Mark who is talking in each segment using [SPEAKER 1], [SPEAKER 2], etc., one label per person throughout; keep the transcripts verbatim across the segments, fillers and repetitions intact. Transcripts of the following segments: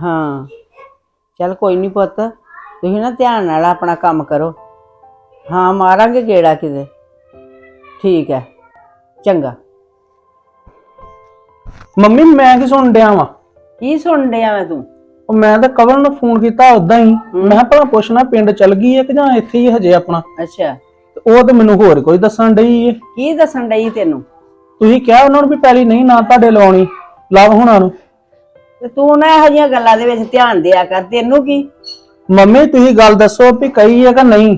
[SPEAKER 1] हाँ चल कोई नहीं पुत तुसीं ना ध्यान नाल अपना काम करो। हाँ मारांगे गेड़ा किते। ठीक है चंगा।
[SPEAKER 2] ਮੰਮੀ ਮੈਂ ਕੀ ਸੁਣ ਡਿਆ ਵਾਂ?
[SPEAKER 1] की सुन डिया मैं तू?
[SPEAKER 2] ਉਹ ਮੈਂ ਤਾਂ ਕਵਲ ਨੂੰ ਫੋਨ ਕੀਤਾ ਉਦਾਂ ਹੀ। ਮੈਂ ਕਿਹਾ ਭਲਾ ਪੁੱਛਣਾ ਪਿੰਡ ਚਲ ਗਈ ਹੈ ਕਿ ਜਾਂ ਇੱਥੇ ਹੀ ਹਜੇ ਆਪਣਾ।
[SPEAKER 1] अच्छा
[SPEAKER 2] ਤੇ ਉਹ ਤਾਂ ਮੈਨੂੰ ਹੋਰ ਕੋਈ ਦੱਸਣ ਡਈ ਏ।
[SPEAKER 1] की दसन डई तेनू?
[SPEAKER 2] ਤੁਸੀਂ ਕਿਹਾ ਉਹਨਾਂ ਨੂੰ ਵੀ ਪਹਿਲੀ ਨਹੀਂ ਨਾ ਤੁਹਾਡੇ ਲਵਾਉਣੀ ਲਵ ਹੋਣਾ ਨੂੰ।
[SPEAKER 1] ਤੇ ਤੂੰ ਨਾ ਇਹੋ ਜਿਹੀਆਂ ਗੱਲਾਂ ਦੇ ਵਿੱਚ ਧਿਆਨ ਦਿਆ ਕਰ। ਤੈਨੂੰ ਕੀ
[SPEAKER 2] ਮੰਮੀ ਤੁਸੀਂ ਗੱਲ ਦੱਸੋ ਵੀ ਕਹੀ ਹੈ ਕਿ ਨਹੀਂ?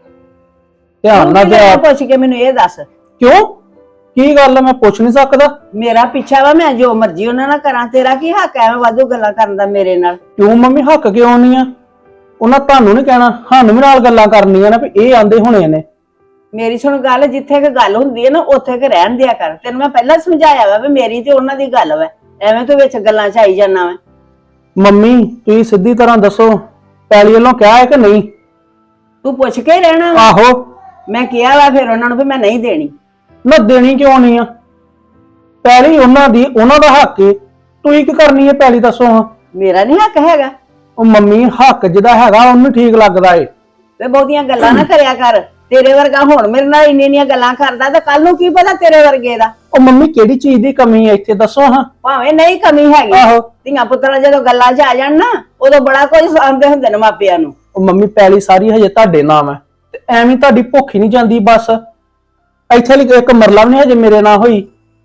[SPEAKER 2] ਧਿਆਨ ਨਾਲ ਦਿਆ।
[SPEAKER 1] ਪੁੱਛ ਕੇ ਮੈਨੂੰ ਇਹ ਦੱਸ
[SPEAKER 2] ਕਿਉਂ ਕੀ ਗੱਲ ਹੈ? ਮੈਂ ਪੁੱਛ ਨਹੀਂ ਸਕਦਾ?
[SPEAKER 1] ਮੇਰਾ ਪਿੱਛਾ ਵਾ ਮੈਂ ਜੋ ਮਰਜ਼ੀ ਉਹਨਾਂ ਨਾਲ ਕਰਾਂ। ਤੇਰਾ ਕੀ ਹੱਕ ਐ ਵਾਧੂ ਗੱਲਾਂ ਕਰਨ ਦਾ ਮੇਰੇ ਨਾਲ?
[SPEAKER 2] ਕਿਉਂ ਮੰਮੀ ਹੱਕ ਕਿਉਂ ਨਹੀਂ ਆ? ਉਹਨਾਂ ਤੁਹਾਨੂੰ ਨਹੀਂ ਕਹਿਣਾ ਸਾਨੂੰ ਵੀ ਨਾਲ ਗੱਲਾਂ ਕਰਨੀਆਂ ਨੇ ਵੀ ਇਹ ਆਂਦੇ ਹੋਣੇ ਨੇ।
[SPEAKER 1] ਮੇਰੀ ਸੁਣ ਗੱਲ, ਜਿੱਥੇ ਕਿ ਗੱਲ ਹੁੰਦੀ ਹੈ ਨਾ ਉੱਥੇ ਕਿ ਰਹਿਣ ਦਿਆ ਕਰ। ਤੈਨੂੰ ਮੈਂ ਪਹਿਲਾਂ ਸਮਝਾਇਆ ਵਾ ਵੀ ਮੇਰੀ ਤੇ ਉਹਨਾਂ ਦੀ ਗੱਲ ਵਾ, ਐਵੇਂ ਤੂੰ ਵਿੱਚ ਗੱਲਾਂ ਚ ਆਈ ਜਾਣਾ ਵਾ।
[SPEAKER 2] ਮੰਮੀ ਤੁਸੀਂ ਸਿੱਧੀ ਤਰ੍ਹਾਂ ਦੱਸੋ ਪੈਲੀ ਵੱਲੋਂ ਕਿਹਾ ਹੈ ਕਿ ਨਹੀਂ?
[SPEAKER 1] ਤੂੰ ਪੁੱਛ ਕੇ ਹੀ ਰਹਿਣਾ ਵਾ।
[SPEAKER 2] ਆਹੋ
[SPEAKER 1] ਮੈਂ ਕਿਹਾ ਵਾ ਫਿਰ ਉਹਨਾਂ ਨੂੰ ਵੀ ਮੈਂ ਨਹੀਂ ਦੇਣੀ।
[SPEAKER 2] ਨਾ ਦੇਣੀ ਕਿਉਂ ਨਹੀਂ ਆ? ਪੈਲੀ ਉਹਨਾਂ ਦੀ, ਉਹਨਾਂ ਦਾ ਹੱਕ ਏ। ਤੁਸੀਂ ਕੀ ਕਰਨੀ ਹੈ ਪੈਲੀ ਦੱਸੋ ਹਾਂ?
[SPEAKER 1] ਮੇਰਾ ਨਹੀਂ ਹੱਕ ਹੈਗਾ?
[SPEAKER 2] ਉਹ ਮੰਮੀ ਹੱਕ ਜਿਹਦਾ ਹੈਗਾ ਉਹਨੂੰ ਠੀਕ ਲੱਗਦਾ ਏ।
[SPEAKER 1] ਤੇ ਬਹੁਤੀਆਂ ਗੱਲਾਂ ਨਾ ਕਰਿਆ ਕਰ। ਤੇਰੇ ਵਰਗਾ ਹੁਣ ਮੇਰੇ ਨਾਲ ਇੰਨੀਆਂ ਇੰਨੀਆਂ ਗੱਲਾਂ ਕਰਦਾ ਤਾਂ ਕੱਲ ਨੂੰ ਕੀ ਪਤਾ ਤੇਰੇ ਵਰਗੇ ਦਾ।
[SPEAKER 2] ਉਹ ਮੰਮੀ ਕਿਹੜੀ ਚੀਜ਼ ਦੀ ਕਮੀ ਹੈ ਇੱਥੇ ਦੱਸੋ ਹਾਂ?
[SPEAKER 1] ਭਾਵੇਂ ਨਹੀਂ ਕਮੀ ਹੈਗੀ,
[SPEAKER 2] ਆਹੋ
[SPEAKER 1] ਧੀਆਂ ਪੁੱਤਰਾਂ ਜਦੋਂ ਗੱਲਾਂ 'ਚ ਆ ਜਾਣ ਨਾ ਉਦੋਂ ਬੜਾ ਕੁਝ ਸੁਣਦੇ ਹੁੰਦੇ ਨੇ ਮਾਪਿਆਂ ਨੂੰ।
[SPEAKER 2] ਉਹ ਮੰਮੀ ਪੈਲੀ ਸਾਰੀ ਹਜੇ ਤੁਹਾਡੇ ਨਾਮ ਹੈ ਤੇ ਐਵੇਂ ਤੁਹਾਡੀ ਭੁੱਖ ਹੀ ਨਹੀਂ ਜਾਂਦੀ ਬਸ। ਇੱਥੇ ਲਈ ਇੱਕ ਮਰਲਾ ਵੀ ਨਹੀਂ ਹਜੇ ਮੇਰੇ ਨਾਲ ਹੋਈ।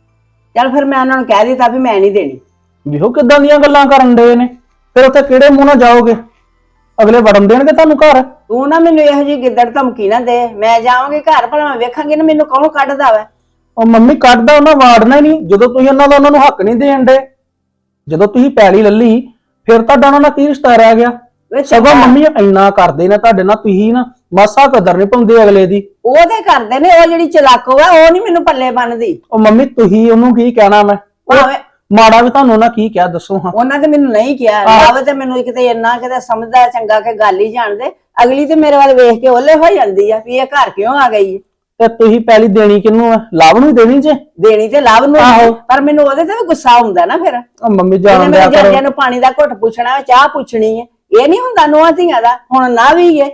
[SPEAKER 1] ਚੱਲ ਫਿਰ ਮੈਂ ਉਹਨਾਂ ਨੂੰ ਕਹਿ ਦਿੱਤਾ ਵੀ ਮੈਂ ਨਹੀਂ ਦੇਣੀ।
[SPEAKER 2] ਵੇਖੋ ਕਿੱਦਾਂ ਦੀਆਂ ਗੱਲਾਂ ਕਰਨ ਦੇ ਨੇ। ਫਿਰ ਉੱਥੇ ਕਿਹੜੇ ਮੂੰਹ ਨਾਲ ਜਾਓਗੇ? ਅਗਲੇ ਵੜਨ ਦੇਣਗੇ ਤੁਹਾਨੂੰ ਘਰ?
[SPEAKER 1] ਤੂੰ ਨਾ ਮੈਨੂੰ ਇਹੋ ਜਿਹੀ ਗਿੱਦੜ ਧਮਕੀ ਨਾ ਦੇ। ਮੈਂ ਜਾਵਾਂਗੀ ਘਰ ਭਲਾ ਮੈਂ ਵੇਖਾਂਗੀ ਨਾ ਮੈਨੂੰ ਕੌਣ ਕੱਢਦਾ ਵਾ।
[SPEAKER 2] ਉਹ ਮੰਮੀ ਕੱਢਦਾ ਉਹਨਾਂ ਵਾੜਨਾ ਹੀ ਨਹੀਂ ਜਦੋਂ ਤੁਸੀਂ ਉਹਨਾਂ ਦਾ ਉਹਨਾਂ ਨੂੰ ਹੱਕ ਨਹੀਂ ਦੇਣ ਦੇ। ਜਦੋਂ ਤੁਸੀਂ ਪੈਲੀ ਲੱਲੀ ਫਿਰ ਤੁਹਾਡਾ ਉਹਨਾਂ ਨਾਲ ਕੀ ਰਿਸ਼ਤਾ ਰਹਿ ਗਿਆ? ਸਗੋਂ ਮੰਮੀ ਇੰਨਾ ਕਰਦੇ ਨੇ ਤੁਹਾਡੇ ਨਾਲ, ਤੁਸੀਂ ਨਾ ਮਾਸਾ ਕਦਰ ਨਹੀਂ ਪਾਉਂਦੇ ਅਗਲੇ ਦੀ।
[SPEAKER 1] ਉਹ ਤੇ ਕਰਦੇ ਨੇ, ਉਹ ਜਿਹੜੀ ਚਲਾਕੋ ਆ ਉਹ ਨਹੀਂ ਮੈਨੂੰ ਪੱਲੇ ਬੰਨਦੀ।
[SPEAKER 2] ਉਹ ਮੰਮੀ ਤੁਸੀਂ ਉਹਨੂੰ ਕੀ ਕਹਿਣਾ? ਮੈਂ
[SPEAKER 1] ਭਾਵੇਂ
[SPEAKER 2] ਮਾੜਾ ਵੀ ਤੁਹਾਨੂੰ ਉਹਨਾਂ ਕੀ ਕਿਹਾ ਦੱਸੋ ਹਾਂ?
[SPEAKER 1] ਉਹਨਾਂ ਤੇ ਮੈਨੂੰ ਨਹੀਂ ਕਿਹਾ। ਲਵ ਤੇ ਮੈਨੂੰ ਕਿਤੇ ਇੰਨਾ ਕਿਤੇ ਸਮਝਦਾ ਚੰਗਾ ਕਿ ਗੱਲ ਹੀ ਜਾਣਦੇ। ਅਗਲੀ ਤੇ ਮੇਰੇ ਵੱਲ ਵੇਖ ਕੇ ਓਲੇ ਹੋ ਜਾਂਦੀ ਆ ਵੀ ਇਹ ਘਰ ਕਿਉਂ ਆ ਗਈ।
[SPEAKER 2] ਤੇ ਤੁਸੀਂ ਪਹਿਲੀ ਦੇਣੀ ਕਿਹਨੂੰ ਆ? ਲਵ ਨੂੰ ਦੇਣੀ ਜੇ?
[SPEAKER 1] ਦੇਣੀ ਤੇ ਲਵ ਨੂੰ, ਪਰ ਮੈਨੂੰ ਉਹਦੇ ਤੇ ਵੀ ਗੁੱਸਾ ਹੁੰਦਾ ਨਾ। ਫਿਰ
[SPEAKER 2] ਉਹ ਮੰਮੀ ਜਾਣ ਦਿਆ ਕਰੋ।
[SPEAKER 1] ਜੱਜਾਂ ਨੂੰ ਪਾਣੀ ਦਾ ਘੁੱਟ ਪੁੱਛਣਾ, ਚਾਹ ਪੁੱਛਣੀ ਹੈ, ਇਹ ਨਹੀਂ ਹੁੰਦਾ ਨੂੰਹਾਂ ਧੀਆਂ ਦਾ। ਹੁਣ ਨਾ ਵੀ ਏ।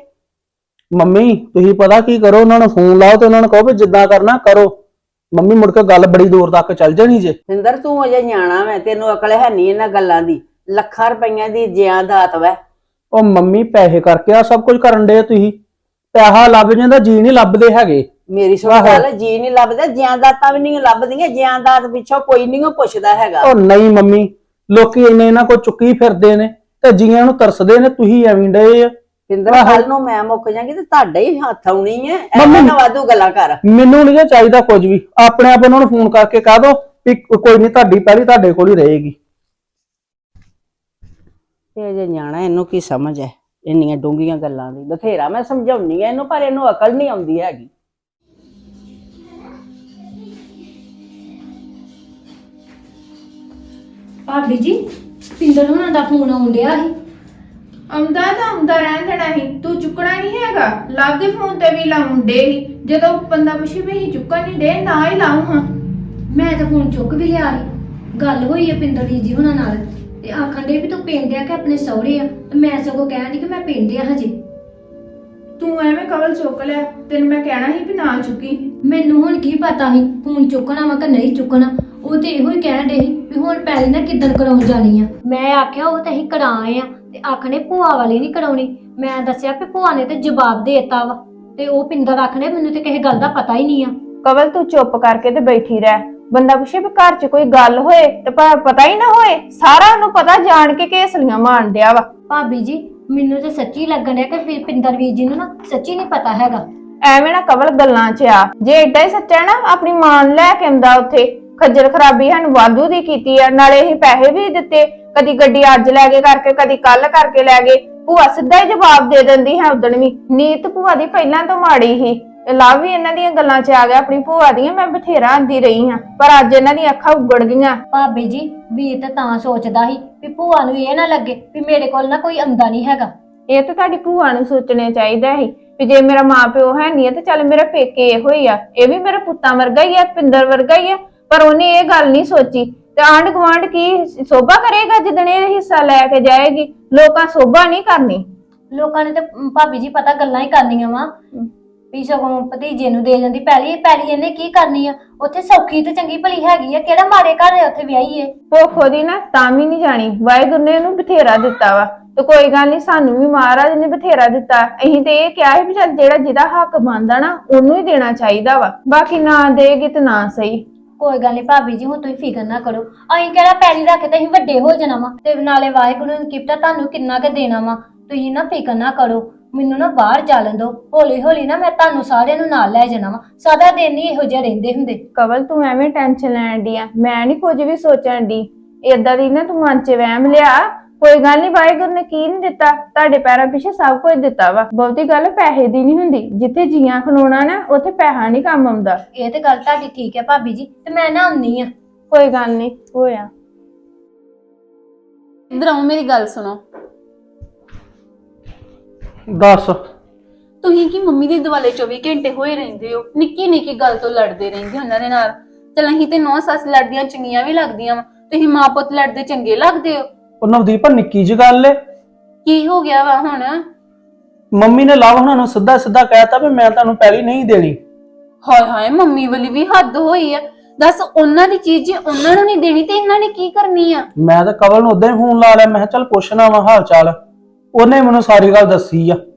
[SPEAKER 2] ਮੰਮੀ ਤੁਸੀਂ ਪਤਾ ਕੀ ਕਰੋ, ਉਹਨਾਂ ਨੂੰ ਫੋਨ ਲਾਓ ਤੇ ਉਹਨਾਂ ਨੂੰ ਕਹੋ ਵੀ ਜਿੱਦਾਂ ਕਰਨਾ ਕਰੋ। ਮੰਮੀ ਮੁੜ ਕੇ ਗੱਲ ਬੜੀ ਦੂਰ ਤੱਕ ਚੱਲ ਜਾਣੀ ਜੇ।
[SPEAKER 1] ਸਿੰਦਰ ਤੂੰ ਅਜੇ ਨਿਆਣਾ ਵੈ, ਤੈਨੂੰ ਅਕਲ ਹੈ ਨਹੀਂ ਇਹਨਾਂ ਗੱਲਾਂ ਦੀ। ਲੱਖਾਂ ਰੁਪਈਆਂ ਦੀ ਜਾਇਦਾਦ ਵੈ।
[SPEAKER 2] ਉਹ ਮੰਮੀ ਪੈਸੇ ਕਰਕੇ ਆ ਸਭ ਕੁਝ ਕਰਨ ਦੇ ਤੁਸੀਂ। ਪੈਸਾ ਲੱਭ ਜਾਂਦਾ, ਜੀ ਨਹੀਂ ਲੱਭਦੇ ਹੈਗੇ।
[SPEAKER 1] ਮੇਰੀ ਸੁਣ ਗੱਲ, ਜੀ ਨਹੀਂ ਲੱਭਦਾ, ਜਾਇਦਾਦਾਂ ਵੀ ਨਹੀਂ ਲੱਭਦੀਆਂ। ਜਾਇਦਾਦ ਪਿੱਛੋਂ ਕੋਈ ਨਹੀਂ ਪੁੱਛਦਾ ਹੈਗਾ।
[SPEAKER 2] ਉਹ ਨਹੀਂ ਮੰਮੀ, ਲੋਕੀ ਇੰਨੇ ਇਹਨਾਂ ਕੋਲ ਚੁੱਕੀ ਫਿਰਦੇ ਨੇ ਤੇ ਜੀਆਂ ਨੂੰ ਤਰਸਦੇ ਨੇ। ਤੁਸੀਂ ਐਵੇਂ ਡਏ ਆ।
[SPEAKER 1] ਸਿੰਦਰ ਕੱਲ ਨੂੰ ਮੈਂ ਮੁੱਕ ਜਾਗੀ ਤੇ ਤੁਹਾਡੇ ਹੀ ਹੱਥ ਆਉਣੀ ਹੈ। ਐਵੇਂ ਨਾ ਵਾਧੂ ਗੱਲਾਂ ਕਰ।
[SPEAKER 2] ਮੈਨੂੰ ਨਹੀਂ ਚਾਹੀਦਾ ਕੁਝ ਵੀ। ਆਪਣੇ ਆਪ ਉਹਨਾਂ ਨੂੰ ਫੋਨ ਕਰਕੇ ਕਹਿ ਦੋ ਵੀ ਕੋਈ ਨਹੀਂ, ਤੁਹਾਡੀ ਪਹਿਲੀ ਤੁਹਾਡੇ ਕੋਲ ਹੀ ਰਹੇਗੀ।
[SPEAKER 1] ਇਹ ਜੇ ਨਿਆਣਾ, ਇਹਨੂੰ ਕੀ ਸਮਝ ਹੈ ਇੰਨੀਆਂ ਡੂੰਘੀਆਂ ਗੱਲਾਂ ਦੀ? ਬਥੇਰਾ ਮੈਂ ਸਮਝਾਉਣੀ ਆ ਇਹਨੂੰ, ਪਰ ਇਹਨੂੰ ਅਕਲ ਨਹੀਂ ਆਉਂਦੀ ਹੈਗੀ।
[SPEAKER 3] ਭਾਬੀ ਜੀ ਪਿੰਦਰ ਹੁਣਾਂ ਦਾ ਫੋਨ ਆਉਣ ਡਿਆ ਸੀ।
[SPEAKER 4] ਆਉਂਦਾ ਤਾਂ ਆਉਂਦਾ ਰਹਿਣ ਦੇਣਾ ਸੀ, ਤੂੰ ਚੁੱਕਣਾ ਨਹੀਂ ਹੈਗਾ। ਲੱਭ ਦੇ ਫੋਨ ਤੇ ਵੀ ਲਾਉਣ ਡੇ ਸੀ। ਜਦੋਂ ਬੰਦਾ ਪੁੱਛੇ ਵੀ ਅਸੀਂ ਚੁੱਕਣ ਨਹੀਂ ਦੇ, ਨਾ ਹੀ ਲਾਉ ਹਾਂ।
[SPEAKER 3] ਮੈਂ ਤਾਂ ਫੋਨ ਚੁੱਕ ਵੀ ਲਿਆ ਸੀ। ਗੱਲ ਹੋਈ ਹੈ ਪਿੰਦਰ ਜੀ ਹੁਣਾਂ ਨਾਲ ਤੇ ਆਖਣ ਦੇ ਵੀ ਤੂੰ ਪਿੰਡ ਆ ਕਿ ਆਪਣੇ ਸਹੁਰੇ ਆ। ਤੇ ਮੈਂ ਸਗੋਂ ਕਹਿਣ ਦੀ ਕਿ ਮੈਂ ਪਿੰਡ ਆ ਹਜੇ।
[SPEAKER 4] ਤੂੰ ਐਵੇਂ ਕਵਲ ਚੁੱਕ ਲਿਆ, ਤੈਨੂੰ ਮੈਂ ਕਹਿਣਾ ਸੀ ਵੀ ਨਾ ਚੁੱਕੀ।
[SPEAKER 3] ਮੈਨੂੰ ਹੁਣ ਕੀ ਪਤਾ ਸੀ ਫੋਨ ਚੁੱਕਣਾ ਵਾ ਕਿ ਨਹੀਂ ਚੁੱਕਣਾ। ਉਹ ਤੇ ਇਹੋ ਹੀ ਕਹਿਣ ਡੇ ਸੀ ਵੀ ਹੁਣ ਪਹਿਲੇ ਨਾ ਕਿੱਦਣ ਕਰਾਉਣ ਜਾਣੀ ਆ। ਮੈਂ ਆਖਿਆ ਉਹ ਤਾਂ ਅਸੀਂ ਕਰਾਏ ਆ ਤੇ ਆਖਣੇ ਭੂਆ ਵਾਲੀ ਨਹੀਂ ਕਰਾਉਣੀ। ਮੈਂ ਦੱਸਿਆ ਵੀ ਭੂਆ ਨੇ ਤੇ ਜਵਾਬ ਦੇਤਾ ਵਾ ਤੇ ਉਹ ਪਿੰਦਰ ਆਖਣੇ ਮੈਨੂੰ ਤੇ ਕਿਸੇ ਗੱਲ ਦਾ ਪਤਾ ਹੀ ਨਹੀਂ ਆ।
[SPEAKER 4] ਕਵਲ ਤੂੰ ਚੁੱਪ ਕਰਕੇ ਤੇ ਬੈਠੀ ਰਹਿ। ਬੰਦਾ ਪੁੱਛੇ ਵੀ ਘਰ 'ਚ ਕੋਈ ਗੱਲ ਹੋਏ ਤੇ ਪਤਾ ਹੀ ਨਾ ਹੋਏ। ਸਾਰਾ ਉਹਨੂੰ ਪਤਾ ਜਾਣ ਕੇ ਘੇਸਲੀਆਂ ਮਾਰਨ ਡਿਆ ਵਾ।
[SPEAKER 3] ਭਾਬੀ ਜੀ ਮੈਨੂੰ ਤੇ ਸੱਚੀ ਲੱਗਣ ਡਿਆ ਕਿ ਫਿਰ ਪਿੰਦਰ ਵੀਰ ਜੀ ਨੂੰ ਨਾ ਸੱਚੀ ਨਹੀਂ ਪਤਾ ਹੈਗਾ।
[SPEAKER 4] ਐਵੇਂ ਨਾ ਕਵਲ ਗੱਲਾਂ 'ਚ ਆ। ਜੇ ਏਡਾ ਹੀ ਸੱਚਾ ਨਾ ਆਪਣੀ ਮਾਂ ਨੂੰ ਲੈ ਕੇ ਆਉਂਦਾ। ਉੱਥੇ ਖੱਜਲ ਖਰਾਬੀ ਸਾਨੂੰ ਵਾਧੂ ਦੀ ਕੀਤੀ ਆ। ਨਾਲੇ ਇਹ ਪੈਸੇ ਵੀ ਦਿੱਤੇ, ਕਦੀ ਗੱਡੀ ਅੱਜ ਲੈ ਕੇ ਕਰਕੇ, ਕਦੀ ਕੱਲ ਕਰਕੇ ਲੈ ਗਏ। ਭੂਆ ਸਿੱਧਾ ਹੀ ਜਵਾਬ ਦੇ ਦਿੰਦੀ ਹੈ। ਉਦਣ ਵੀ ਨੀਤ ਭੂਆ ਦੀ ਪਹਿਲਾਂ ਤੋਂ ਮਾੜੀ ਸੀ। ਲਵ ਵੀ ਇਹਨਾਂ ਦੀਆਂ ਗੱਲਾਂ 'ਚ ਆ ਗਿਆ ਆਪਣੀ ਭੂਆ ਦੀਆਂ। ਮੈਂ ਬਥੇਰਾ ਆਂਦੀ ਰਹੀ ਹਾਂ, ਪਰ ਅੱਜ ਇਹਨਾਂ ਦੀਆਂ ਅੱਖਾਂ ਉਗੜ ਗਈਆਂ।
[SPEAKER 3] ਭਾਬੀ ਜੀ ਵੀਰ ਤਾਂ ਤਾਂ ਸੋਚਦਾ ਸੀ ਵੀ ਭੂਆ ਨੂੰ ਇਹ ਨਾ ਲੱਗੇ ਵੀ ਮੇਰੇ ਕੋਲ ਨਾ ਕੋਈ ਆਉਂਦਾ ਨਹੀਂ ਹੈਗਾ।
[SPEAKER 4] ਇਹ ਤਾਂ ਤੁਹਾਡੀ ਭੂਆ ਨੂੰ ਸੋਚਣੇ ਚਾਹੀਦਾ ਸੀ ਵੀ ਜੇ ਮੇਰਾ ਮਾਂ ਪਿਓ ਹੈ ਨਹੀਂ ਤੇ ਚੱਲ ਮੇਰੇ ਪੇਕੇ ਇਹੋ ਹੀ ਆ। ਇਹ ਵੀ ਮੇਰੇ ਪੁੱਤਾਂ ਵਰਗਾ ਹੀ ਆ, ਪਿੰਦਰ ਵਰਗਾ ਹੀ ਆ। ਪਰ ਉਹਨੇ ਇਹ ਗੱਲ ਨਹੀਂ ਸੋਚੀ ਤੇ ਆਂਢ ਗੁਆਂਢ ਕੀ ਸੋਭਾ ਕਰੇਗਾ ਜਿੱਦਣ ਇਹ ਹਿੱਸਾ ਲੈ ਕੇ ਜਾਏਗੀ? ਲੋਕਾਂ ਸੋਭਾ ਨਹੀਂ ਕਰਨੀ।
[SPEAKER 3] ਲੋਕਾਂ ਨੇ ਤੇ ਭਾਬੀ ਜੀ ਪਤਾ ਗੱਲਾਂ ਹੀ ਕਰਨੀਆਂ ਵਾ ਵੀ ਸਗੋਂ ਭਤੀਜੇ ਨੂੰ ਦੇ ਜਾਂਦੀ ਪੈਲੀ ਪੈਲੀ ਇਹਨੇ ਕੀ ਕਰਨੀ ਆ? ਉੱਥੇ ਸੌਖੀ ਤੇ ਚੰਗੀ ਭਲੀ ਹੈਗੀ ਆ, ਕਿਹੜਾ ਮਾੜੇ ਘਰ ਆ ਉੱਥੇ ਵਿਆਹੀ ਏ।
[SPEAKER 4] ਭੁੱਖ ਉਹਦੀ ਨਾ ਤਾਂ ਵੀ ਨਹੀਂ ਜਾਣੀ, ਵਾਹਿਗੁਰੂ ਨੇ ਉਹਨੂੰ ਬਥੇਰਾ ਦਿੱਤਾ ਵਾ ਤੇ ਕੋਈ ਗੱਲ ਨਹੀਂ, ਸਾਨੂੰ ਵੀ ਮਹਾਰਾਜ ਨੇ ਬਥੇਰਾ ਦਿੱਤਾ। ਅਸੀਂ ਤੇ ਇਹ ਕਿਹਾ ਹੈ ਵੀ ਚੱਲ ਜਿਹੜਾ ਜਿਹਦਾ ਹੱਕ ਬਣਦਾ ਨਾ ਉਹਨੂੰ ਹੀ ਦੇਣਾ ਚਾਹੀਦਾ ਵਾ, ਬਾਕੀ ਨਾ ਦੇਗੀ ਤੇ ਨਾ ਸਹੀ।
[SPEAKER 3] ਕੋਈ ਗੱਲ ਨਹੀਂ ਭਾਬੀ ਜੀ, ਹੁਣ ਤੁਸੀਂ ਫਿਕਰ ਨਾ ਕਰੋ। ਅਸੀਂ ਕਿਹੜਾ ਪੈਲੀ ਰੱਖ ਕੇ ਤੇ ਅਸੀਂ ਵੱਡੇ ਹੋ ਜਾਣਾ ਵਾ, ਤੇ ਨਾਲੇ ਵਾਹਿਗੁਰੂ ਨੇ ਕਿਪਤਾ ਤੁਹਾਨੂੰ ਕਿੰਨਾ ਕੁ ਦੇਣਾ ਵਾ। ਤੁਸੀਂ ਨਾ ਫਿਕਰ ਨਾ ਕਰੋ, ਮੈਨੂੰ ਨਾ ਬਾਹਰ ਚੱਲਣ ਦਿਓ, ਹੌਲੀ ਹੌਲੀ ਨਾ ਮੈਂ ਤੁਹਾਨੂੰ ਸਾਰਿਆਂ ਨੂੰ ਨਾਲ ਲੈ ਜਾਣਾ ਵਾ। ਸਾਦਾ ਦਿਨ ਨਹੀਂ ਇਹੋ ਜਿਹੇ ਰਹਿੰਦੇ ਹੁੰਦੇ।
[SPEAKER 4] ਕਵਲ ਤੂੰ ਐਵੇਂ ਟੈਨਸ਼ਨ ਲੈਣ ਦੀ ਆ, ਮੈਂ ਨਹੀਂ ਕੁਝ ਵੀ ਸੋਚਣ ਦੀ। ਏਦਾਂ ਦੀ ਨਾ ਤੂੰ ਮਨ 'ਚ ਵਹਿਮ ਲਿਆ, ਕੋਈ ਗੱਲ ਨਹੀਂ, ਵਾਹਿਗੁਰੂ ਨੇ ਕੀ ਨਹੀਂ ਦਿੱਤਾ, ਤੁਹਾਡੇ ਪੈਰਾਂ ਪਿੱਛੇ ਸਭ ਕੁਝ ਦਿੱਤਾ ਵਾ। ਬਹੁਤੀ ਗੱਲ ਪੈਸੇ ਦੀ ਨਹੀਂ ਹੁੰਦੀ, ਜਿੱਥੇ ਜੀਆਂ ਖਲੋਣਾ ਨਾ ਉੱਥੇ ਪੈਸਾ ਨਹੀਂ ਕੰਮ ਆਉਂਦਾ।
[SPEAKER 3] ਇਹ ਤੇ ਗੱਲ ਤੁਹਾਡੀ ਠੀਕ ਹੈ ਭਾਬੀ ਜੀ, ਤੇ ਮੈਂ ਨਾ ਆਉਣੀ ਆ।
[SPEAKER 4] ਕੋਈ ਗੱਲ ਨਹੀਂ, ਹੋਇਆ।
[SPEAKER 5] ਇੱਧਰ ਆਓ, ਮੇਰੀ ਗੱਲ ਸੁਣੋ।
[SPEAKER 2] ਦੱਸ।
[SPEAKER 5] ਤੁਸੀਂ ਕੀ ਮੰਮੀ ਦੇ ਦੁਆਲੇ ਚੌਵੀ ਘੰਟੇ ਹੋਏ ਰਹਿੰਦੇ ਹੋ? ਨਿੱਕੀ ਨਿੱਕੀ ਗੱਲ ਤੋਂ ਲੜਦੇ ਰਹਿੰਦੇ ਹੋ ਉਹਨਾਂ ਦੇ ਨਾਲ। ਚਲ ਅਸੀਂ ਤੇ ਨੌ ਸੱਸ ਲੜਦੀਆਂ ਚੰਗੀਆਂ ਵੀ ਲੱਗਦੀਆਂ ਵਾ, ਤੁਸੀਂ ਮਾਂ ਪੁੱਤ ਲੜਦੇ ਚੰਗੇ ਲੱਗਦੇ ਹੋ?
[SPEAKER 2] ਉਹ ਨਵਦੀਪ ਨਿੱਕੀ ਜਿਹੀ ਗੱਲ ਏ,
[SPEAKER 5] ਕੀ ਹੋ ਗਿਆ ਵਾ ਹੁਣ?
[SPEAKER 2] ਮੰਮੀ ਨੇ ਲਵ ਉਹਨਾਂ ਨੂੰ ਸਿੱਧਾ ਸਿੱਧਾ ਕਹਿਤਾ ਵੀ ਮੈਂ ਤੁਹਾਨੂੰ ਪੈਲੀ ਨਹੀਂ ਦੇਣੀ।
[SPEAKER 5] ਹਾਏ ਹਾਏ, ਮੰਮੀ ਵਾਲੀ ਵੀ ਹੱਦ ਹੋਈ ਆ। ਦੱਸ, ਉਹਨਾਂ ਦੀ ਚੀਜ਼ ਜੇ ਉਹਨਾਂ ਨੂੰ ਨਹੀਂ ਦੇਣੀ ਤੇ ਇਹਨਾਂ ਨੇ ਕੀ ਕਰਨੀ ਆ?
[SPEAKER 2] ਮੈਂ ਤਾਂ ਕਵਲ ਨੂੰ ਉਦਾਂ ਹੀ ਫੋਨ ਲਾ ਲਿਆ, ਮੈਂ ਕਿਹਾ ਚੱਲ ਪੁੱਛਣਾ ਵਾ ਹਾਲ ਚਾਲ। ਉਹਨੇ ਮੈਨੂੰ ਸਾਰੀ ਗੱਲ ਦੱਸੀ ਆ।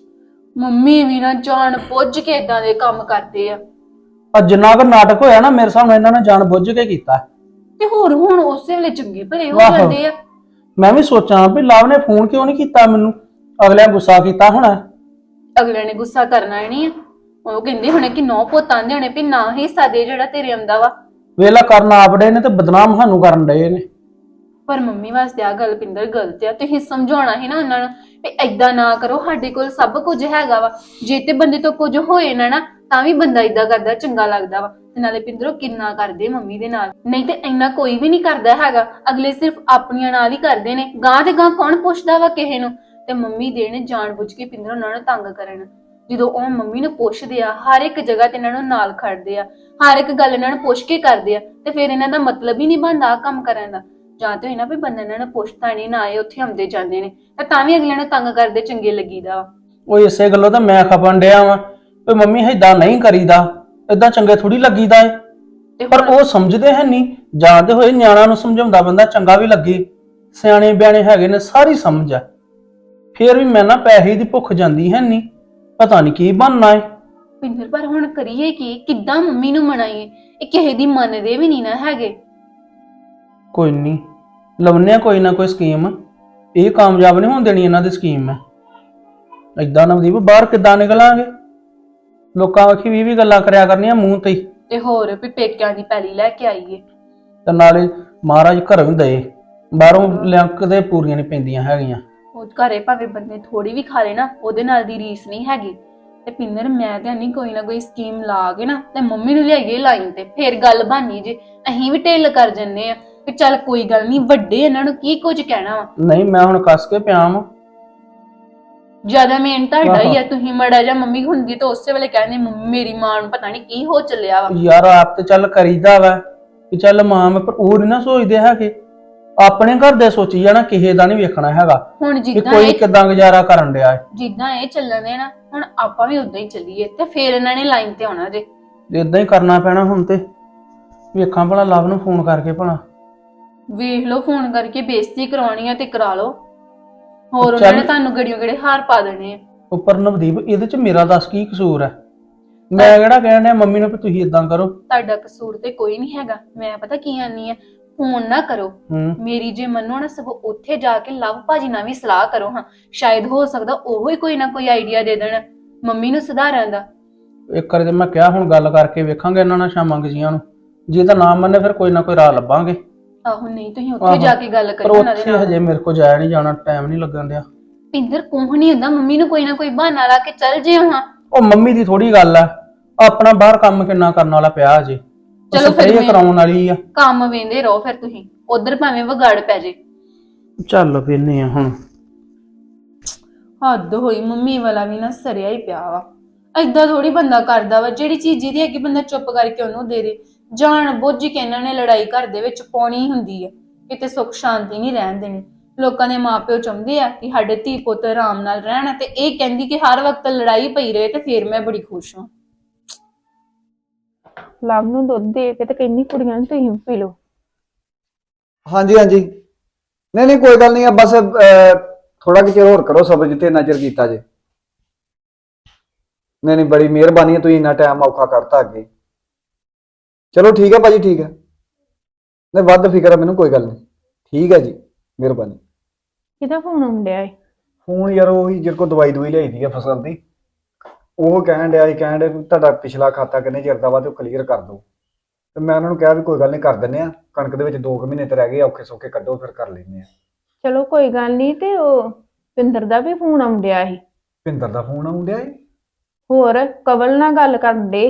[SPEAKER 5] ਮੰਮੀ ਵੀ ਨਾ ਜਾਣ ਬੁੱਝ ਕੇ ਇਦਾਂ ਦੇ ਕੰਮ ਕਰਦੇ ਆ।
[SPEAKER 2] ਆ ਜਿੰਨਾ ਕੁ ਨਾਟਕ ਹੋਇਆ ਨਾ ਮੇਰੇ ਸਾਹਮਣੇ ਇਹਨਾਂ ਨੇ ਜਾਣ ਬੁੱਝ ਕੇ ਕੀਤਾ।
[SPEAKER 5] ਤੇ ਹੋਰ ਹੁਣ ਉਸੇ ਵੇਲੇ ਚੰਗੇ ਭਲੇ ਹੋ
[SPEAKER 2] ਵਾਹ।
[SPEAKER 5] ਜਾਂਦੇ ਆ।
[SPEAKER 2] ਮੈਂ ਵੀ ਸੋਚਾਂ ਵੀ ਲਵ ਨੇ ਫੋਨ ਕਿਉਂ ਨਹੀਂ ਕੀਤਾ ਮੈਨੂੰ, ਅਗਲਿਆਂ ਗੁੱਸਾ ਕੀਤਾ ਹੋਣਾ।
[SPEAKER 5] ਅਗਲੇ ਨੇ ਗੁੱਸਾ ਕਰਨਾ ਹੀ ਨਹੀਂ ਆ। ਉਹ ਕਹਿੰਦੇ ਹੋਣੇ ਕਿ ਨੌ ਪੁੱਤ ਆਂਦੇ ਹੋਣੇ ਵੀ ਨਾ ਹਿੱਸਾ ਦੇ ਜਿਹੜਾ ਤੇਰੇ ਆਉਂਦਾ ਵਾ।
[SPEAKER 2] ਵੇਲਾ ਕਰਨ ਆਪੜੇ ਨੇ ਤੇ ਬਦਨਾਮ ਸਾਨੂੰ ਕਰਨ ਡਏ ਨੇ।
[SPEAKER 5] ਪਰ ਮੰਮੀ ਵਾਸਤੇ ਆ ਗੱਲ ਪਿੰਦਰ ਗਲਤ ਆ। ਤੁਸੀਂ ਸਮਝਾਉਣਾ ਸੀ ਨਾ ਉਹਨਾਂ ਨੂੰ ਵੀ ਏਦਾਂ ਨਾ ਕਰੋ, ਸਾਡੇ ਕੋਲ ਸਭ ਕੁਝ ਹੈਗਾ ਵਾ। ਜੇ ਤੇ ਬੰਦੇ ਤੋਂ ਕੁਝ ਹੋਏ ਨਾ ਨਾ ਤਾਂ ਵੀ ਬੰਦਾ ਏਦਾਂ ਕਰਦਾ ਚੰਗਾ ਲੱਗਦਾ ਵਾ। ਤੇ ਨਾਲੇ ਪਿੰਦਰੋ ਕਿੰਨਾ ਕਰਦੇ ਮੰਮੀ ਦੇ ਨਾਲ, ਨਹੀਂ ਤੇ ਇੰਨਾ ਕੋਈ ਵੀ ਨਹੀਂ ਕਰਦਾ ਹੈਗਾ। ਅਗਲੇ ਸਿਰਫ ਆਪਣੀਆਂ ਨਾਲ ਹੀ ਕਰਦੇ ਨੇ, ਗਾਂ ਤੇ ਗਾਂ ਕੌਣ ਪੁੱਛਦਾ ਵਾ ਕਿਸੇ ਨੂੰ। ਤੇ ਮੰਮੀ ਦੇ ਨੇ ਜਾਣ ਬੁੱਝ ਕੇ ਪਿੰਦਰ ਉਹਨਾਂ ਨੂੰ ਤੰਗ ਕਰਨ। ਜਦੋਂ ਉਹ ਮੰਮੀ ਨੂੰ ਪੁੱਛਦੇ ਆ, ਹਰ ਇੱਕ ਜਗ੍ਹਾ ਤੇ ਇਹਨਾਂ ਨੂੰ ਨਾਲ ਖੜਦੇ ਆ, ਹਰ ਇੱਕ ਗੱਲ ਇਹਨਾਂ ਨੂੰ ਪੁੱਛ ਕੇ ਕਰਦੇ ਆ, ਤੇ ਫਿਰ ਇਹਨਾਂ ਦਾ ਮਤਲਬ ਹੀ ਨਹੀਂ ਬਣਦਾ ਕੰਮ ਕਰਨ ਦਾ। ਜਾਂ ਤੇ ਹੋਈ ਨਾ ਵੀ ਬੰਦਾ ਇਹਨਾਂ ਨੂੰ ਪੁੱਛਦਾ ਨਹੀਂ, ਨਾ ਇਹ ਉੱਥੇ ਆਉਂਦੇ ਜਾਂਦੇ ਨੇ, ਤੇ ਤਾਂ ਵੀ ਅਗਲਿਆਂ ਨੂੰ ਤੰਗ ਕਰਦੇ ਚੰਗੇ ਲੱਗੀਦਾ ਵਾ।
[SPEAKER 2] ਉਹ ਇਸੇ ਗੱਲੋਂ ਤਾਂ ਮੈਂ ਖਪਣ ਡਿਆ ਵਾਂ ਵੀ ਮੰਮੀ ਏਦਾਂ ਨਹੀਂ ਕਰੀਦਾ, ਏਦਾਂ ਚੰਗੇ ਥੋੜੀ ਲੱਗੀਦਾ ਏ।
[SPEAKER 5] ਤੇ
[SPEAKER 2] ਪਰ ਉਹ ਸਮਝਦੇ ਹੈ ਨਹੀਂ। ਜਾਣਦੇ ਹੋਏ ਨਿਆਣਾ ਨੂੰ ਸਮਝਾਉਂਦਾ ਬੰਦਾ ਚੰਗਾ ਵੀ ਲੱਗੇ, ਸਿਆਣੇ ਬਿਆਣੇ ਹੈਗੇ ਨੇ, ਸਾਰੀ ਸਮਝ ਆ। ਫੇਰ ਵੀ ਮੈਂ ਨਾ ਪੈਸੇ ਦੀ ਭੁੱਖ ਜਾਂਦੀ ਹੈ ਨਹੀਂ, ਪਤਾ ਨਹੀਂ ਕੀ ਬਣਨਾ ਏ।
[SPEAKER 5] ਪਿੰਦਰ ਪਰ ਹੁਣ ਕਰੀਏ ਕੀ? ਕਿੱਦਾਂ ਮੰਮੀ ਨੂੰ ਮਨਾਈਏ? ਇਹ ਕਿਸੇ ਦੀ ਮੰਨਦੇ ਵੀ ਨਹੀਂ ਨਾ ਹੈਗੇ।
[SPEAKER 2] ਕੋਈ ਨਹੀਂ, ਲਵਨੇ ਕੋਈ ਨਾ ਕੋਈ ਸਕੀਮ। ਇਹ ਕਾਮਯਾਬ ਨਹੀਂ ਹੋਣ ਦੇਣੀ ਇਹਨਾਂ ਦੀ ਸਕੀਮ। ਮੈਂ ਏਦਾਂ ਨਵਦੀਪ ਬਾਹਰ ਕਿੱਦਾਂ ਨਿਕਲਾਂਗੇ? ਲੋਕਾਂ ਆਖੀ ਵੀ ਵੀ ਗੱਲਾਂ ਕਰਿਆ ਕਰਨੀਆਂ ਮੂੰਹ ਤੇ ਹੀ।
[SPEAKER 5] ਤੇ ਹੋਰ ਵੀ ਪੇਕਿਆਂ ਦੀ ਪੈਲੀ ਲੈ ਕੇ ਆਈਏ,
[SPEAKER 2] ਤੇ ਨਾਲੇ ਮਹਾਰਾਜ ਘਰੋਂ ਹੀ ਦਏ, ਬਾਹਰੋਂ ਲਿੰਕ ਦੇ ਪੂਰੀਆਂ ਨਹੀਂ ਪੈਂਦੀਆਂ ਹੈਗੀਆਂ।
[SPEAKER 5] ਉਹ ਘਰੇ ਭਾਵੇਂ ਬੰਦੇ ਥੋੜੀ ਵੀ ਖਾ ਲੇ ਨਾ, ਉਹਦੇ ਨਾਲ ਦੀ ਰੀਸ ਨਹੀਂ ਹੈਗੀ। ਤੇ ਪਿੰਦਰ ਮੈਂ ਤੇ ਨਹੀਂ ਕੋਈ ਨਾ ਕੋਈ ਸਕੀਮ ਲਾ ਕੇ ਨਾ ਤੇ ਮੰਮੀ ਨੂੰ ਲਿਆਈਏ ਲਾਈਨ ਤੇ, ਫੇਰ ਗੱਲ ਬਾਨੀ ਜੇ। ਅਸੀਂ ਵੀ ਢਿੱਲ ਕਰ ਜੰਨੇ ਆ ਕਿ ਚੱਲ ਕੋਈ ਗੱਲ ਨਹੀਂ, ਵੱਡੇ ਇਹਨਾਂ ਨੂੰ ਕੀ ਕੁਝ ਕਹਿਣਾ ਵਾ।
[SPEAKER 2] ਨਹੀਂ ਮੈਂ ਹੁਣ ਕੱਸ ਕੇ ਪਿਆ ਵਾਂ।
[SPEAKER 5] ਜਿਆਦਾ ਮੇਨ ਤੁਹਾਡਾ ਹੀ ਆ। ਤੁਸੀਂ ਮੜਾ ਜਾ ਮੰਮੀ ਹੁੰਦੀ ਤਾਂ ਉਸੇ ਵੇਲੇ ਕਹਿੰਦੇ ਮੇਰੀ ਮਾਂ ਨੂੰ ਪਤਾ ਨਹੀਂ ਕੀ ਹੋ ਚੱਲਿਆ ਵਾ।
[SPEAKER 2] ਯਾਰ ਆਪ ਤੇ ਚੱਲ ਕਰੀਦਾ ਵਾ ਕਿ ਚੱਲ ਮਾਂ ਮੈਂ, ਪਰ ਉਹ ਨੀ ਨਾ ਸੋਚਦੇ ਹੈਗੇ। ਆਪਣੇ ਘਰ ਦੇ ਸੋਚੀ ਜਾਣਾ, ਕਿਸੇ ਦਾ ਨਹੀਂ ਵੇਖਣਾ ਹੈਗਾ
[SPEAKER 5] ਹੁਣ
[SPEAKER 2] ਕਿ
[SPEAKER 5] ਜਿੱਦਾਂ
[SPEAKER 2] ਕੋਈ
[SPEAKER 5] ਇਹ
[SPEAKER 2] ਕਿਦਾਂ ਗੁਜ਼ਾਰਾ ਕਰਨ ਡਿਆ ਹੈ।
[SPEAKER 5] ਜਿੱਦਾਂ ਇਹ ਚੱਲਣ ਦੇ ਨਾ, ਹੁਣ ਆਪਾਂ ਵੀ ਉਦਾਂ ਹੀ ਚੱਲੀਏ ਤੇ ਫੇਰ ਇਹਨਾਂ ਨੇ ਲਾਈਨ ਤੇ ਆਉਣਾ ਜੇ।
[SPEAKER 2] ਇਦਾਂ ਹੀ ਕਰਨਾ ਪੈਣਾ ਹੁਣ। ਤੇ ਵੇਖਾਂ ਭਲਾ ਲਵ ਨੂੰ ਫੋਨ ਕਰਕੇ ਭਲਾ।
[SPEAKER 5] ਵੇਖ ਲਓ, ਫੋਨ ਕਰਕੇ ਬੇਇੱਜ਼ਤੀ ਕਰਾਉਣੀ ਆ ਤੇ ਕਰਾ ਲਓ। ਹੋਰ ਉਹਨਾਂ ਨੇ ਤੁਹਾਨੂੰ ਗੜੀਆਂ ਗੜੇ ਹਾਰ ਪਾ ਦੇਣੇ ਆ।
[SPEAKER 2] ਉੱਪਰ ਨਵਦੀਪ ਇਹਦੇ ਚ ਮੇਰਾ ਦੱਸ ਕੀ ਕਸੂਰ ਹੈ? ਮੈਂ ਕਿਹੜਾ ਕਹਿਣ ਡਿਆ ਮੰਮੀ ਨੂੰ ਕਿ ਤੁਸੀਂ ਇਦਾਂ ਕਰੋ।
[SPEAKER 5] ਤੁਹਾਡਾ ਕਸੂਰ ਤੇ ਕੋਈ ਨਹੀਂ ਹੈਗਾ। ਮੈਂ ਪਤਾ ਕੀ ਆਨੀ ਆ, ਫੋਨ ਨਾ ਕਰੋ
[SPEAKER 2] ਹੂੰ
[SPEAKER 5] ਮੇਰੀ। ਜੇ ਮੰਨੋ ਨਾ ਸਗੋਂ ਉੱਥੇ ਜਾ ਕੇ ਲਵ ਭਾਜੀ ਨਾਲ ਵੀ ਸਲਾਹ ਕਰੋ। ਹਾਂ, ਸ਼ਾਇਦ ਹੋ ਸਕਦਾ ਉਹ ਹੀ ਕੋਈ ਨਾ ਕੋਈ ਆਈਡੀਆ ਦੇ ਦੇਣ ਮੰਮੀ ਨੂੰ ਸੁਧਾਰਨ ਦਾ।
[SPEAKER 2] ਇੱਕ ਵਾਰ ਤੇ ਮੈਂ ਕਿਹਾ ਹੁਣ ਗੱਲ ਕਰਕੇ ਵੇਖਾਂਗੇ ਇਹਨਾਂ ਨਾਲ ਸ਼ਾਮਾਂ ਗਜੀਆਂ ਨੂੰ। ਜੇ ਤਾਂ ਨਾ ਮੰਨੇ ਫਿਰ ਕੋਈ ਨਾ ਕੋਈ ਰਾਹ ਲੱਭਾਂਗੇ।
[SPEAKER 5] ਆਹੋ, ਨਹੀਂ ਤੁਸੀਂ ਉੱਥੇ ਜਾ ਕੇ ਗੱਲ
[SPEAKER 2] ਪਰ
[SPEAKER 5] ਕਰੋ ਉਹਨਾਂ ਦੇ
[SPEAKER 2] ਉੱਥੇ
[SPEAKER 5] ਨਾਲ।
[SPEAKER 2] ਹਜੇ ਮੇਰੇ ਕੋਲ ਜਾਇਆ ਨਹੀਂ ਜਾਣਾ, ਟਾਈਮ ਨਹੀਂ ਲੱਗਣ ਡਿਆ।
[SPEAKER 5] ਪਿੰਦਰ ਕੋਹ ਨਹੀਂ ਹੁੰਦਾ, ਮੰਮੀ ਨੂੰ ਕੋਈ ਨਾ ਕੋਈ ਬਹਾਨਾ ਲਾ ਕੇ ਚੱਲ ਜੇ। ਹਾਂ,
[SPEAKER 2] ਉਹ ਮੰਮੀ ਦੀ ਥੋੜੀ ਗੱਲ ਆ, ਆਪਣਾ ਬਾਹਰ ਕੰਮ ਕਿੰਨਾ ਕਰਨ ਵਾਲਾ ਪਿਆ ਅਜੇ।
[SPEAKER 5] ਚਲੋ ਫਿਰ
[SPEAKER 2] ਇਹ ਕਰਾਉਣ ਵਾਲੀ ਆ।
[SPEAKER 5] ਕੰਮ ਵੇਂਦੇ ਰਹੋ ਫਿਰ ਤੁਸੀਂ, ਉਧਰ ਭਾਵੇਂ ਵਿਗਾੜ ਪੈ ਜੇ।
[SPEAKER 2] ਚੱਲ ਵੇਨੇ ਆ ਹੁਣ।
[SPEAKER 5] ਹੱਦ ਹੋਈ, ਮੰਮੀ ਵਾਲਾ ਵੀ ਨਾ ਸਰਿਆ ਹੀ ਪਿਆ ਵਾ। ਏਦਾਂ ਥੋੜੀ ਬੰਦਾ ਕਰਦਾ ਵਾ। ਜਿਹੜੀ ਚੀਜ਼ ਜਿਹਦੀ ਹੈਗੀ ਬੰਦਾ ਚੁੱਪ ਕਰਕੇ ਉਹਨੂੰ ਦੇ ਦੇ। ਜਾਣ ਬੁੱਝ ਕੇ ਇਹਨਾਂ ਨੇ ਲੜਾਈ ਘਰ ਦੇ ਵਿੱਚ ਪਾਉਣੀ ਹੁੰਦੀ ਹੈ, ਕਿਤੇ ਸੁੱਖ ਸ਼ਾਂਤੀ ਨਹੀਂ ਰਹਿਣ ਦੇਣੀ। ਲੋਕਾਂ ਦੇ ਮਾਪਿਓ ਚਾਹੁੰਦੇ ਆ ਕਿ ਸਾਡੇ ਧੀ ਪੁੱਤ ਆਰਾਮ ਨਾਲ ਰਹਿਣ, ਤੇ ਇਹ ਕਹਿੰਦੀ ਕਿ ਹਰ ਵਕਤ ਲੜਾਈ ਪਈ ਰਹੇ ਤੇ ਫਿਰ ਮੈਂ ਬੜੀ ਖੁਸ਼ ਹਾਂ।
[SPEAKER 4] ਲਵ ਨੂੰ ਦੁੱਧ ਦੇ ਕੇ ਤੇ ਕਹਿੰਦੀ ਕੁੜੀਆਂ ਨੂੰ ਤੁਸੀਂ ਵੀ ਪੀ ਲਓ।
[SPEAKER 6] ਹਾਂਜੀ ਹਾਂਜੀ, ਨਹੀਂ ਨਹੀਂ ਕੋਈ ਗੱਲ ਨਹੀਂ ਆ, ਬਸ ਥੋੜਾ ਕਿ ਚਿਰ ਹੋਰ ਕਰੋ ਸਬਰ, ਜਿੱਥੇ ਇੰਨਾ ਚਿਰ ਕੀਤਾ ਜੇ। ਨਹੀਂ ਨਹੀਂ ਬੜੀ ਮਿਹਰਬਾਨੀ ਹੈ, ਤੁਸੀਂ ਇੰਨਾ ਟਾਈਮ ਔਖਾ ਕਰਤਾ ਅੱਗੇ। ਚਲੋ ਠੀਕ ਹੈ ਭਾਜੀ, ਠੀਕ ਹੈ, ਨਹੀਂ ਵੱਧ ਫਿਕਰ ਹੈ ਮੈਨੂੰ, ਕੋਈ ਗੱਲ ਨਹੀਂ, ਠੀਕ ਹੈ ਜੀ, ਮਿਹਰਬਾਨੀ।
[SPEAKER 4] ਕਿਹਦਾ ਫੋਨ ਆਉਂਦਿਆ ਏ?
[SPEAKER 6] ਫੋਨ ਯਾਰ ਉਹੀ ਜਿਹੜੇ ਕੋਲ ਦਵਾਈ ਦਵਾਈ ਲਈ ਦੀ ਹੈ ਫਸਲ ਦੀ, ਉਹ ਕਹਿਣ ਡਿਆ ਸੀ, ਕਹਿਣ ਡਿਆ ਵੀ ਤੁਹਾਡਾ ਪਿਛਲਾ ਖਾਤਾ ਕਿੰਨੇ ਚਿਰ ਦਾ ਵਾ ਤੇ ਉਹ ਕਲੀਅਰ ਕਰ ਦਿਓ। ਤੇ ਮੈਂ ਉਹਨਾਂ ਨੂੰ ਕਿਹਾ ਵੀ ਕੋਈ ਗੱਲ ਨਹੀਂ ਕਰ ਦਿੰਦੇ ਆ, ਕਣਕ ਦੇ ਵਿੱਚ ਦੋ ਕੁ ਮਹੀਨੇ ਤੇ ਰਹਿ ਗਏ, ਔਖੇ ਸੌਖੇ ਕੱਢੋ ਫਿਰ ਕਰ ਲੈਂਦੇ ਆ।
[SPEAKER 4] ਚਲੋ ਕੋਈ ਗੱਲ ਨਹੀਂ। ਤੇ ਉਹ ਪਿੰਦਰ ਦਾ ਵੀ ਫੋਨ ਆਉਂਦਿਆ ਸੀ।
[SPEAKER 6] ਭਿੰਦਰ ਦਾ ਫੋਨ ਆਉਣ ਡਿਆ ਏ?
[SPEAKER 4] ਹੋਰ ਕਵਲ ਨਾਲ ਗੱਲ ਕਰਨ ਦੇ।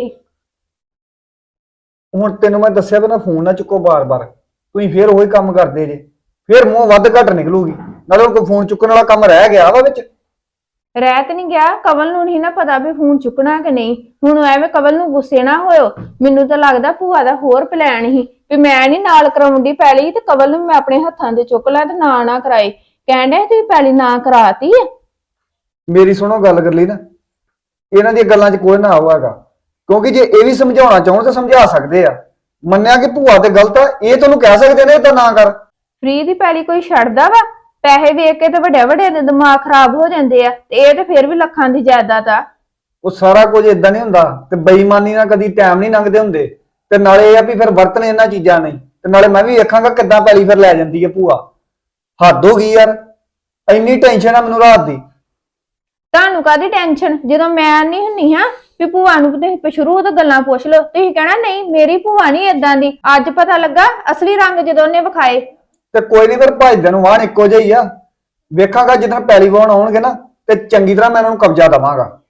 [SPEAKER 6] ਹੁਣ ਤੈਨੂੰ ਮੈਂ ਦੱਸਿਆ ਵੀ ਨਾ ਫੋਨ ਨਾ ਚੁੱਕੋ ਬਾਰ-ਬਾਰ, ਤੁਸੀਂ ਫੇਰ ਉਹੀ ਕੰਮ ਕਰਦੇ ਜੇ, ਫੇਰ ਮੂੰਹ ਵੱਧ ਘੱਟ ਨਿਕਲੂਗੀ। ਨਾਲੇ ਕੋਈ ਫੋਨ ਚੁੱਕਣ ਵਾਲਾ ਕੰਮ ਰਹਿ ਗਿਆ ਵਾ ਵਿੱਚ?
[SPEAKER 4] ਰਹਿ ਤੇ ਨਹੀਂ ਗਿਆ, ਕਵਲ ਨੂੰ ਨਹੀਂ ਨਾ ਪਤਾ ਵੀ ਫੋਨ ਚੁੱਕਣਾ ਕਿ ਨਹੀਂ। ਹੁਣ ਐਵੇਂ ਕਵਲ ਨੂੰ ਗੁੱਸੇ ਨਾ ਹੋਇਓ, ਮੈਨੂੰ ਤਾਂ ਲੱਗਦਾ ਭੂਆ ਦਾ ਹੋਰ ਪਲਾਨ ਸੀ ਵੀ ਮੈਂ ਨਹੀਂ ਨਾਲ ਕਰਾਉਂਦੀ ਪੈਲੀ, ਤੇ ਕਵਲ ਨੂੰ ਮੈਂ ਆਪਣੇ ਹੱਥਾਂ ਤੇ ਚੁੱਕ ਲਾਂ ਤੇ ਨਾ ਨਾ ਕਰਾਏ। ਕਹਿਣ ਡਿਆ ਤੁਸੀਂ ਪੈਲੀ ਨਾ ਕਰਾਤੀ ਆ।
[SPEAKER 6] ਮੇਰੀ ਸੁਣੋ ਗੱਲ ਕਰ ਲਈ ਨਾ, ਇਹਨਾਂ ਦੀਆਂ ਗੱਲਾਂ 'ਚ ਕੋਈ ਨਾ ਆਊਗਾ, ਕਿਉਂਕਿ ਜੇ ਇਹ ਵੀ ਸਮਝਾਉਣਾ ਚਾਹਣ ਤਾਂ ਸਮਝਾ ਸਕਦੇ ਆ। ਮੰਨਿਆ ਕਿ ਭੂਆ ਤੇ ਗਲਤ ਆ, ਇਹ ਤੁਹਾਨੂੰ ਕਹਿ ਸਕਦੇ ਨੇ ਤਾਂ ਨਾ ਕਰ।
[SPEAKER 4] ਫ੍ਰੀ ਦੀ ਪੈਲੀ ਕੋਈ ਛੱਡਦਾ ਵਾ? ਪੈਸੇ ਵੇਖ ਕੇ ਤੇ ਵੱਡੇ ਵੱਡੇ ਦੇ ਦਿਮਾਗ ਖਰਾਬ ਹੋ ਜਾਂਦੇ ਆ, ਤੇ ਇਹ ਤੇ ਫਿਰ ਵੀ ਲੱਖਾਂ ਦੀ ਜਾਇਦਾਦ ਆ।
[SPEAKER 6] ਉਹ ਸਾਰਾ ਕੁਝ ਇਦਾਂ ਨਹੀਂ ਹੁੰਦਾ, ਤੇ ਬੇਈਮਾਨੀ ਨਾਲ ਕਦੀ ਟਾਈਮ ਨਹੀਂ ਲੰਘਦੇ ਹੁੰਦੇ। ਤੇ ਨਾਲੇ ਇਹ ਆ ਵੀ ਫਿਰ ਵਰਤਣ ਇਹਨਾਂ ਚੀਜ਼ਾਂ ਨਹੀਂ, ਤੇ ਨਾਲੇ ਮੈਂ ਵੀ ਵੇਖਾਂਗਾ ਕਿੱਦਾਂ ਪੈਲੀ ਫਿਰ ਲੈ ਜਾਂਦੀ ਹੈ ਭੂਆ। ਹੱਦ ਹੋ ਗਈ ਯਾਰ, ਇੰਨੀ ਟੈਨਸ਼ਨ ਆ ਮੈਨੂੰ ਰਾਤ ਦੀ।
[SPEAKER 4] ਤੁਹਾਨੂੰ ਕਾਹਦੀ ਟੈਨਸ਼ਨ, ਜਦੋਂ ਮੈਂ ਨਹੀਂ ਹੁੰਨੀ ਹਾਂ ਵੀ ਭੂਆ ਨੂੰ ਤੁਸੀਂ ਸ਼ੁਰੂ ਤੋਂ ਗੱਲਾਂ ਪੁੱਛ ਲਓ, ਤੁਸੀਂ ਕਹਿਣਾ ਨਹੀਂ ਮੇਰੀ ਭੂਆ ਨਹੀਂ ਏਦਾਂ ਦੀ। ਅੱਜ ਪਤਾ ਲੱਗਾ ਅਸਲੀ ਰੰਗ ਜਦੋਂ ਉਹਨੇ ਵਿਖਾਏ।
[SPEAKER 6] ਤੇ ਕੋਈ ਨਹੀਂ, ਫਿਰ ਭਜਦੇ ਨੂੰ ਵਾਹਣ ਇੱਕੋ ਜਿਹਾ ਹੀ ਆ। ਵੇਖਾਂਗਾ ਜਦੋਂ ਪੈਲੀ ਵਾਹਣ ਆਉਣਗੇ ਨਾ, ਤੇ ਚੰਗੀ ਤਰ੍ਹਾਂ ਮੈਂ ਉਹਨਾਂ ਨੂੰ ਕਬਜ਼ਾ ਦੇਵਾਂਗਾ।